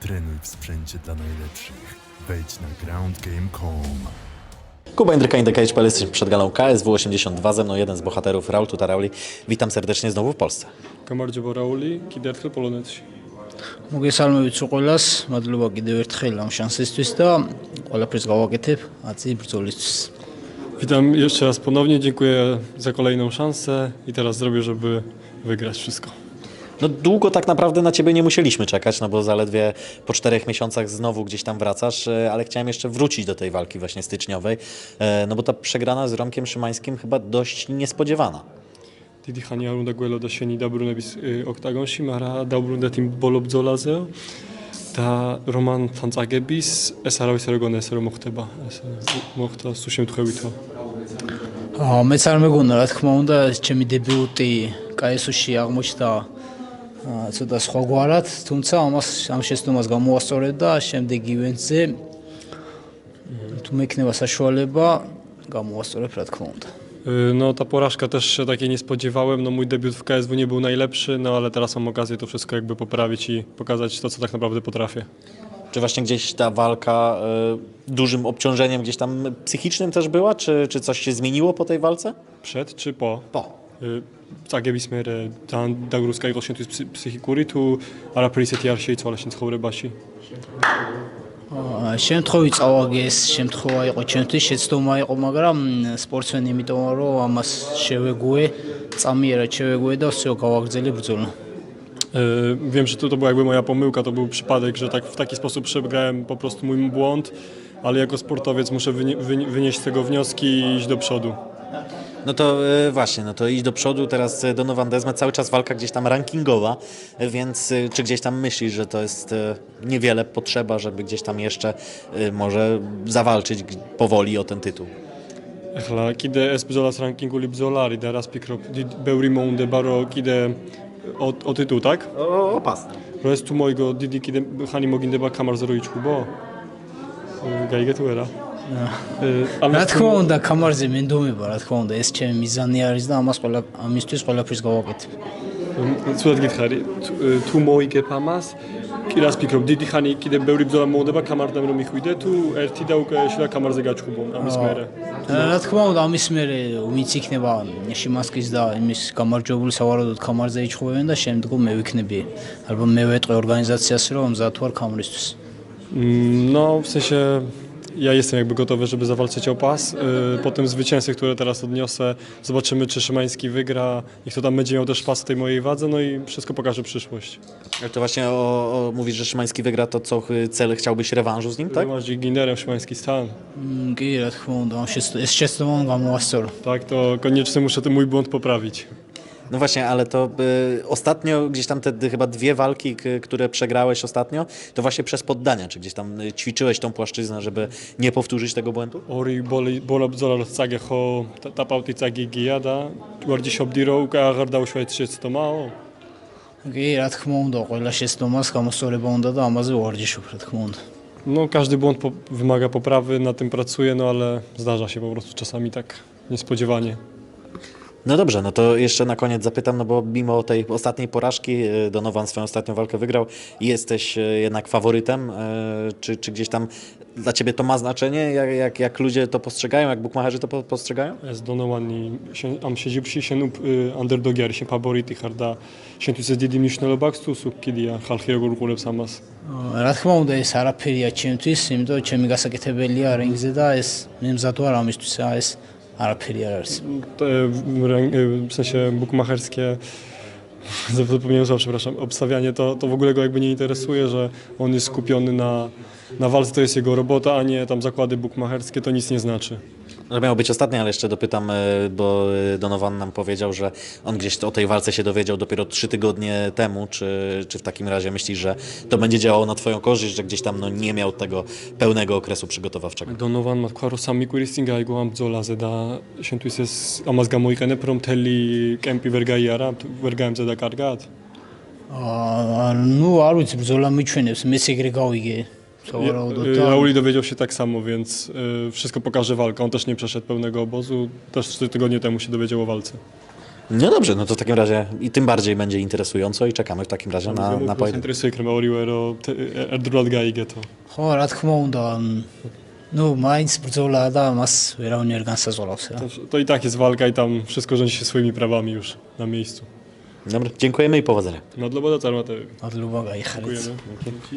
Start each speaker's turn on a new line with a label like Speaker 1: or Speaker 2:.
Speaker 1: Trenuj w sprzęcie dla najlepszych. Wejdź na groundgame.com.
Speaker 2: Kuba Jędryka, InTheCage.pl, jesteśmy przed galą KSW 82, ze mną jeden z bohaterów, Raul Tutarauli. Witam serdecznie znowu w Polsce.
Speaker 3: გამარჯობა რაული, კიდევ ერთხელ პოლონეთში.
Speaker 4: მოგესალმებით უყოლას, მადლობა კიდევ ერთხელ ამ შანსისთვის და ყველაფერს გავაკეთებ აწი ბრძოლისთვის.
Speaker 3: Witam jeszcze raz ponownie, dziękuję za kolejną szansę i teraz zrobię, żeby wygrać wszystko.
Speaker 2: No długo tak naprawdę na Ciebie nie musieliśmy czekać, no bo zaledwie po 4 miesiącach znowu gdzieś tam wracasz, ale chciałem jeszcze wrócić do tej walki właśnie styczniowej, no bo ta przegrana z Romkiem Szymańskim chyba dość niespodziewana.
Speaker 3: დიდი ხანი არ უნდა გველოდა შენი დაბრუნების ოქტაგონში, მაგრამ დაუბრუნდეთ იმ ბოლო ბრძოლაზე და რომანთან წაგების ეს არავის არ ეგონა ესე რომ მოხდება, ეს მოხდა სულ შემთხვევითო.
Speaker 4: მეც არ მეგონა რა თქმა უნდა ჩემი დებიუტი KSU-ში აღმოჩნდა ცოტა სხვაგვარად, თუმცა ამ შეცდომას გამოვასწორებ და შემდეგ ივენტზე თუ მექნება საშუალება გამოვასწორებ რა თქმა უნდა.
Speaker 3: No ta porażka też się takiej nie spodziewałem, no mój debiut w KSW nie był najlepszy, no ale teraz mam okazję to wszystko jakby poprawić i pokazać to, co tak naprawdę potrafię.
Speaker 2: Czy właśnie gdzieś ta walka dużym obciążeniem gdzieś tam psychicznym też była, czy coś się zmieniło po tej walce?
Speaker 3: Przed czy po?
Speaker 2: Po.
Speaker 3: წაგების მერე ძალიან დაგრუსკა იყო შენთვის ფსიქიკური თუ არაფერი ისეთი არ შეიცვალა შენ ცხოვრებაში?
Speaker 4: შემთხვევით წავაგე ეს შემთხვევა იყო ჩემთვის შეცდომა იყო, მაგრამ სპორტსმენი იმიტომ რომ ამას შევეგუე, წამიერად შევეგუე და всё გავაგრძელე bრძოლა.
Speaker 3: Wiem, że to była jakby moja pomyłka, to był przypadek, że tak w taki sposób przegrałem po prostu mój błąd, ale jako sportowiec muszę wynieść z tego wnioski i iść do przodu.
Speaker 2: No to właśnie, no to iść do przodu, teraz Donovan Desmet, cały czas walka gdzieś tam rankingowa, więc czy gdzieś tam myślisz, że to jest niewiele potrzeba, żeby gdzieś tam jeszcze może zawalczyć powoli o ten tytuł?
Speaker 3: ახლა კიდე ეს ბრძოლას რანკინგული ბრძოლა არის და რას ფიქრობ, ბევრი მოუნდება რომ კიდე o tytuł, tak?
Speaker 2: O pas.
Speaker 3: რომ ეს თუ მოიგო დიდი კიდე ხანი მოგინდება კამარზე რო იჩხუბო? გაიგე თუ არა?
Speaker 4: რა თქმა უნდა, კამარზე მენდომება, რა თქმა უნდა, ეს ჩემი მიზანი არის და ამისთვის ყველაფერს გავაკეთებ.
Speaker 3: ცუდად გითხარი, თუ მოიგებ ამას, კი რას ფიქრობ, დიდი ხანი კიდე ბევრი ბრძოლა მოუნდება კამარდან რომ მიხვიდე თუ ერთი და უკვე შეიძლება კამარზე გაჩხუბო ამის მერე?
Speaker 4: რა თქმა უნდა, ამის მერე ვინც იქნება შიმანსკის და იმის გამარჯვებული სავარაუდოდ კამარზე იჩხუბებენ და შემდგომ მე ვიქნები. ალბათ მე ვეტყვი ორგანიზაციას რომ მზად ვარ კამრისთვის.
Speaker 3: No, w sensie ja jestem jakby gotowy, żeby zawalczyć o pas. Po tym zwycięstwie, które teraz odniosę, zobaczymy, czy Szymański wygra i kto tam będzie miał też pas w tej mojej wadze, no i wszystko pokaże przyszłość.
Speaker 2: Ale to właśnie mówisz, że Szymański wygra, to co cel chciałbyś rewanżu z nim, tak?
Speaker 3: Rewanż Ginerem Szymański stan.
Speaker 4: კი, რა თქმა უნდა, ეს შეცდომა გამოვასწორო.
Speaker 3: Tak, to koniecznie muszę ten mój błąd poprawić.
Speaker 2: No właśnie, ale to ostatnio gdzieś tam te chyba 2 walki, które przegrałeś ostatnio, to właśnie przez poddania, czy gdzieś tam ćwiczyłeś tą płaszczyznę, żeby nie powtórzyć tego błędu?
Speaker 3: ორი ბოლა ბრძოლა რო წაგე ხო ტაპავტი წაგიგია და ვარჯიშობდი რომ უკვე აღარ დავუშვა ეს შეცდომაო?
Speaker 4: კი, რა თქმა უნდა, ყველა შეცდომას გამოსწორება უნდა და ამაზე ვარჯიშობ, რა თქმა უნდა.
Speaker 3: No, każdy błąd wymaga poprawy, nad tym pracuję, no ale zdarza się po prostu czasami tak niespodziewanie.
Speaker 2: No dobrze, no to jeszcze na koniec zapytam, no bo mimo tej ostatniej porażki Donovan swoją ostatnią walkę wygrał i jesteś jednak faworytem, czy gdzieś tam dla Ciebie to ma znaczenie, jak ludzie to postrzegają, jak bukmacherzy to postrzegają?
Speaker 3: Ez Donovan'i am შეჯიბრში შენ underdog-ი არის, შენ ფავორიტი ხარ და შენთვის ეს დიდი მნიშვნელობა აქვს თუ სულ კიდია ხალხი როგორ უყურებს ამას?
Speaker 4: რა თქმა უნდა, ეს არაფერია ჩემთვის, იმიტომ რომ ჩემი გასაკეთებელია რინგზე და ეს მე მზად ვარ ამისთვის, ეს არაფერი არ არის.
Speaker 3: W sensie bukmacherskie, zapomniałem słowa, przepraszam, obstawianie to w ogóle go jakby nie interesuje, że on jest skupiony na walce, to jest jego robota, a nie tam zakłady bukmacherskie, to nic nie znaczy.
Speaker 2: No, miało być ostatnie, ale jeszcze dopytam, bo Donovan nam powiedział, że on gdzieś o tej walce się dowiedział dopiero 3 tygodnie temu. Czy w takim razie myślisz, że to będzie działało na Twoją korzyść, że gdzieś tam no, nie miał tego pełnego okresu przygotowawczego?
Speaker 3: Donovan ma თქვა რომ 3 კვირის წინ გაიგო ამ ბრძოლაზე და შენთვის ეს ამას გამოიყენებ რომ მთელი კემპი ვერ გაიარა, ვერ გაემზადა კარგად?
Speaker 4: ნუ არ ვიცი, ბრძოლა მიჩვენებს, მეც ეგრე გავიგე.
Speaker 3: Rauli dowiedział się tak samo, więc wszystko pokaże walka. On też nie przeszedł pełnego obozu, też 4 tygodnie temu się dowiedział o walce.
Speaker 2: No dobrze, no to w takim razie i tym bardziej będzie interesująco i czekamy w takim razie na
Speaker 3: Most
Speaker 2: pojedynek.
Speaker 3: interesuje Kremauriuero, Erdrolad Gaigeto.
Speaker 4: ხო, რა თქმა უნდა, ну, მაინც ბრძოლა და მას ვერავინ არ განსაზღვრავს რა.
Speaker 3: To i tak jest walka i tam wszystko rządzi się swoimi prawami już na miejscu.
Speaker 2: Dobra, dziękujemy i powodzenia.
Speaker 3: Madloboda Carmatewicz.
Speaker 4: მადლობა, გაიხარეთ.
Speaker 3: Dziękujemy.